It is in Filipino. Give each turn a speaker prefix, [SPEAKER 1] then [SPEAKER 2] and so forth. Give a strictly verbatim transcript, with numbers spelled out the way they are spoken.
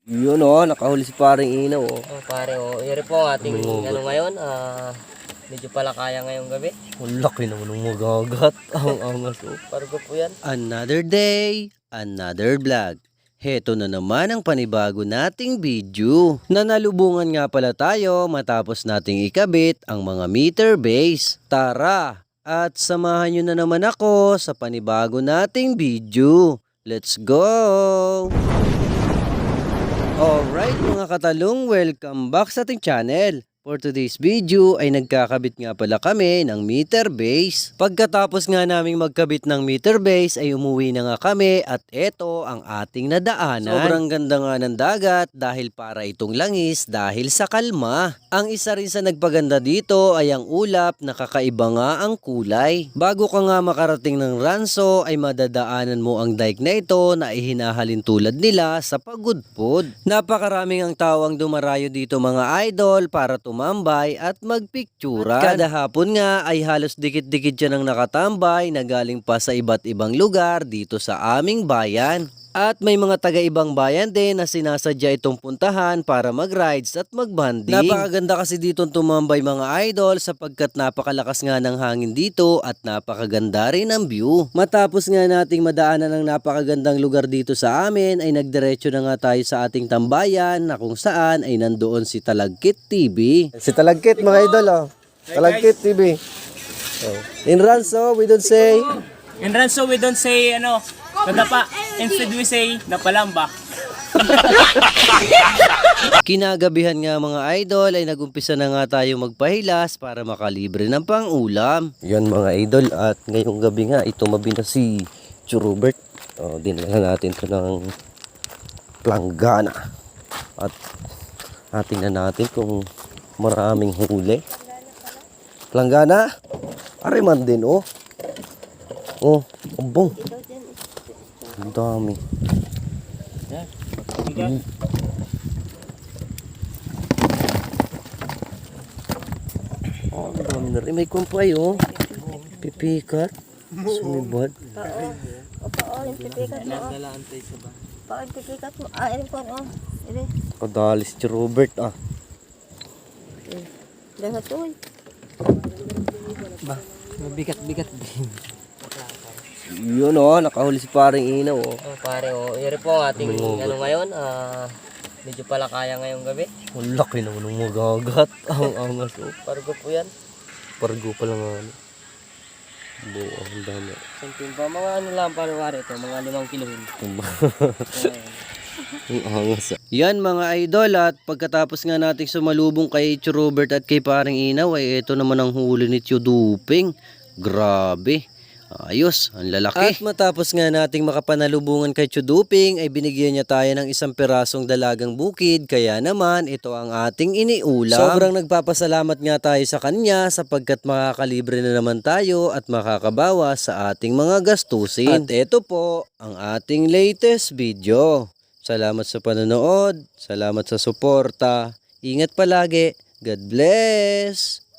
[SPEAKER 1] Yun oh, nakahuli si paring inaw oh.
[SPEAKER 2] Oh, pare, oh. Yun po ang ating
[SPEAKER 1] Mangungot.
[SPEAKER 2] ano ngayon. Ah, medyo pala kaya ngayong gabi.
[SPEAKER 1] Ang laki naman ng magagat. Ang angas oh.
[SPEAKER 2] Pargo po yan.
[SPEAKER 3] Another day, another vlog. Heto na naman ang panibago nating video. Nanalubungan nga pala tayo matapos nating ikabit ang mga meter base. Tara at samahan nyo na naman ako sa panibago nating video. Let's go! Alright mga katalong, welcome back sa ating channel. For today's video ay nagkakabit nga pala kami ng meter base. Pagkatapos nga naming magkabit ng meter base ay umuwi na nga kami at eto ang ating nadaanan. Sobrang ganda nga ng dagat dahil para itong langis dahil sa kalma. Ang isa rin sa nagpaganda dito ay ang ulap na kakaiba nga ang kulay. Bago ka nga makarating ng Ranso ay madadaanan mo ang dike na ito na ihinahalin tulad nila sa pagudpod. Napakaraming ang tao ang dumarayo dito mga idol para tumambay at magpikturan. At kada hapon nga ay halos dikit-dikit dyan ang nakatambay na galing pa sa iba't ibang lugar dito sa aming bayan. At may mga taga-ibang bayan din na sinasadya itong puntahan para mag-rides at mag-banding. Napakaganda kasi dito tumambay mga idol sapagkat napakalakas nga ng hangin dito at napakaganda rin ang view. Matapos nga nating madaanan ang napakagandang lugar dito sa amin ay nagdiretso na nga tayo sa ating tambayan na kung saan ay nandoon si Talagkit T V.
[SPEAKER 1] Si Talagkit mga idol oh. Talagkit T V. Oh. In Ranso, we don't say.
[SPEAKER 4] In Ranso, we don't say, ano, nadapa. Instead, we say, napalamba.
[SPEAKER 3] Kinagabihan nga mga idol ay nagumpisa na nga tayo magpahilas para makalibre ng pang-ulam.
[SPEAKER 1] Yan mga idol at ngayong gabi nga ito mabi na si Churubert. Oh, dinala natin to ng planggana. At ating na natin kung maraming huli. Planggana? Ariman din oh. Oh, umbong. Ang dami. Mm. Oh, ang dami na rin. May kumpay oh. Pipikat. Sumibad.
[SPEAKER 5] Oo. Opo, oh, yung pipikat mo. Oh. Pa, yung pipikat mo. Ah, yun po, oh. Ini.
[SPEAKER 1] Kadalis si Robert ah.
[SPEAKER 5] Lahat to, eh.
[SPEAKER 2] Ba, mabigat-bigat din.
[SPEAKER 1] Yun oh, nakahuli si paring inaw oh.
[SPEAKER 2] Oh, pare, oh. Yun po ang ating
[SPEAKER 1] Mangungot.
[SPEAKER 2] ano ngayon. Ah, medyo pala kaya ngayong gabi.
[SPEAKER 1] Ang laki naman ng magagat. Ang angas oh.
[SPEAKER 2] Pargo po yan.
[SPEAKER 1] Pargo pa lang ano. Buo, ang dami.
[SPEAKER 2] Something pa. Mga ano lang pare-pare ito. Mga limang kilohin.
[SPEAKER 1] Ang angas ah.
[SPEAKER 3] Yan mga idol at pagkatapos nga nating sumalubong kay Tio Robert at kay paring inaw ay ito naman ang huli ni Tio Duping. Grabe. Ayos, ang lalaki. At matapos nga nating makapanalubungan kay Tio Duping ay binigyan niya tayo ng isang pirasong dalagang bukid kaya naman ito ang ating iniulam. Sobrang nagpapasalamat nga tayo sa kanya sapagkat makakalibre na naman tayo at makakabawas sa ating mga gastusin. At ito po ang ating latest video. Salamat sa panonood, salamat sa suporta. Ingat palagi. God bless!